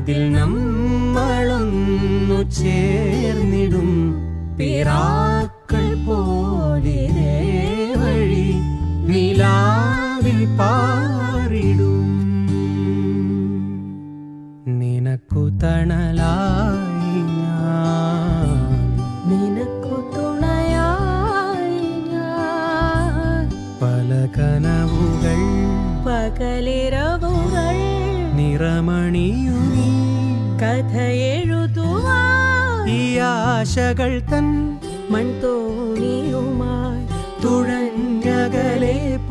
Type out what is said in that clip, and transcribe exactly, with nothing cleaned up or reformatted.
അതിൽ നമ്മളൊന്നു ചേർന്നിടും പിറാക്കൾ പോലെ വഴി നിലാവിൽ പാറിടും. നിനക്കു തണലായി ഞാൻ, നിനക്കു തുണയായി ഞാൻ. പല കനവുകൾ പകലിരവുകൾ നിറമണിയുമീ കഥയെഴുതുവാൻ ഈ ആശകൾ തൻ മൺതോണിയുമായി തുഴഞ്ഞകലെ